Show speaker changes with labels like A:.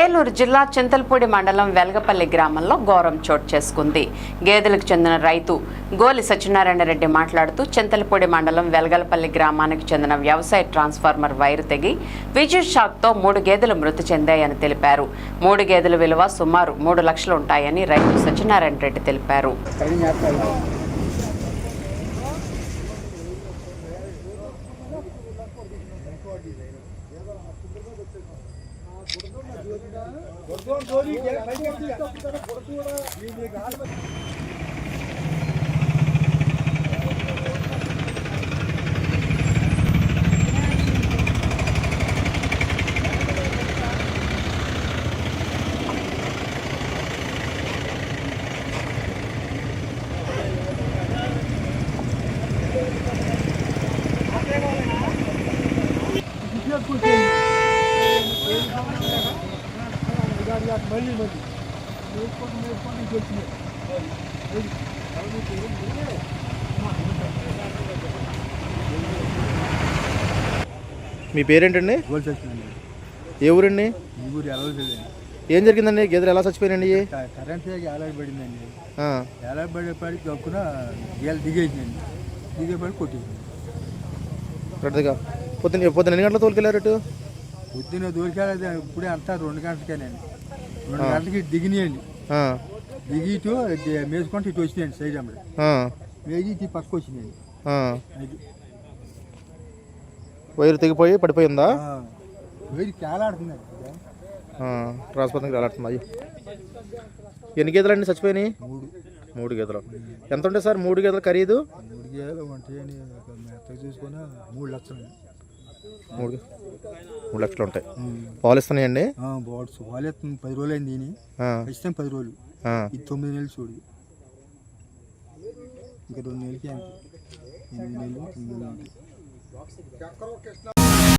A: ఏలూరు జిల్లా చింతలపూడి మండలం వెలగపల్లి గ్రామంలో ఘోరం చోటు చేసుకుంది. గేదెలకు చెందిన రైతు గోలి సత్యనారాయణ రెడ్డి మాట్లాడుతూ చింతలపూడి మండలం వెలగపల్లి గ్రామానికి చెందిన వ్యవసాయ ట్రాన్స్ఫార్మర్ వైరు తెగి విద్యుత్ షాక్తో 3 గేదెలు మృతి చెందాయని తెలిపారు. 3 గేదెల విలువ సుమారు 3 లక్షలు ఉంటాయని రైతు సత్యనారాయణ రెడ్డి తెలిపారు.
B: మీ పేరేంటండి? ఏ ఊరండి? ఏం జరిగిందండి? గేదెలు ఎలా చచ్చిపోయినండి?
C: కరెంట్ ఏలాడబడిందండి. ఏలాడబడేపాడికి దక్కున గేదెలు దిగేసిందండి. దిగేపాడి కొట్టేసింది.
B: పొద్దున్న ఎన్ని గంటల తోలుకెళ్ళారు?
C: పొద్దున్న దోలికెళ్ళదు ఇప్పుడే అంతా 2 గంటలకేనండి. 2 గంటలకి దిగినాయండి. దిగి ఇటు మేసుకుంటే ఇటు వచ్చినాయండి. సైడ్ అమ్మడి మేగి ఇటు పక్క వచ్చినాయండి.
B: వైరు తెగిపోయి పడిపోయిందా?
C: వైరు కేలాడుతుందండి.
B: ట్రాన్స్ఫార్మర్ కేలాడుతుంది. ఎన్ని గేదెలు అండి చచ్చిపోయినాయి? 3 గేదెలు. ఎంత ఉంటాయి సార్ 3 గేదెలు ఖరీదు?
C: 3 గేదెలు ఉంటాయని మెత్తగా చూసుకుని 3 లక్షలు.
B: 3 లక్షలు ఉంటాయి. పాలు ఇస్తున్నాయండి?
C: పాలు ఇస్తుంది. 10 రోజులు అయింది. ఖచ్చితంగా 10 రోజులు. ఇది 9 నెలలు చూడు. ఇంకా 2 నెలలకి అంతే. 8 నెలలు 9 నెలలు.